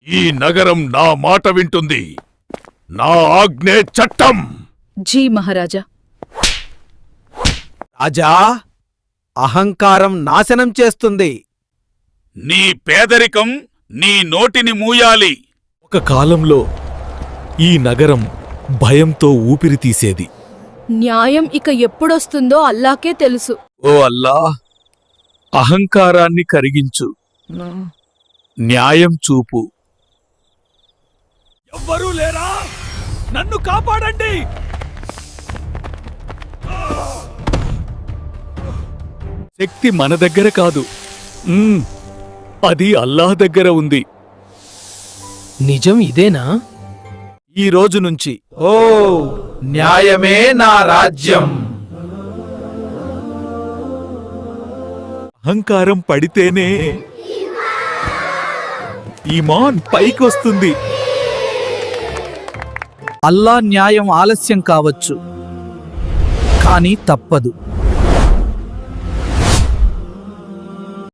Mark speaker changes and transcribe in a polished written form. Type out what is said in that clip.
Speaker 1: ఈ నగరం నా మాట వింటుంది. నా ఆజ్ఞే చట్టం.
Speaker 2: జీ మహారాజా.
Speaker 3: రాజా, అహంకారం నాశనం చేస్తుంది.
Speaker 1: నీ పేదరికం నీ నోటిని మూయాలి.
Speaker 4: ఒక కాలంలో ఈ నగరం భయంతో ఊపిరి తీసేది.
Speaker 2: న్యాయం ఇక ఎప్పుడొస్తుందో అల్లాకే తెలుసు.
Speaker 4: ఓ అల్లా, అహంకారాన్ని కరిగించు, న్యాయం చూపు.
Speaker 1: ఎవ్వరూ లేరా? నన్ను కాపాడండి.
Speaker 4: శక్తి మన దగ్గర కాదు, అది అల్లాహ్ దగ్గర ఉంది.
Speaker 3: నిజం ఇదేనా?
Speaker 4: ఈ రోజు నుంచి
Speaker 3: ఓ, న్యాయమే నా రాజ్యం.
Speaker 4: అహంకారం పడితేనే ఈమాన్ పైకొస్తుంది.
Speaker 3: అల్లా న్యాయం ఆలస్యం కావచ్చు, కానీ తప్పదు.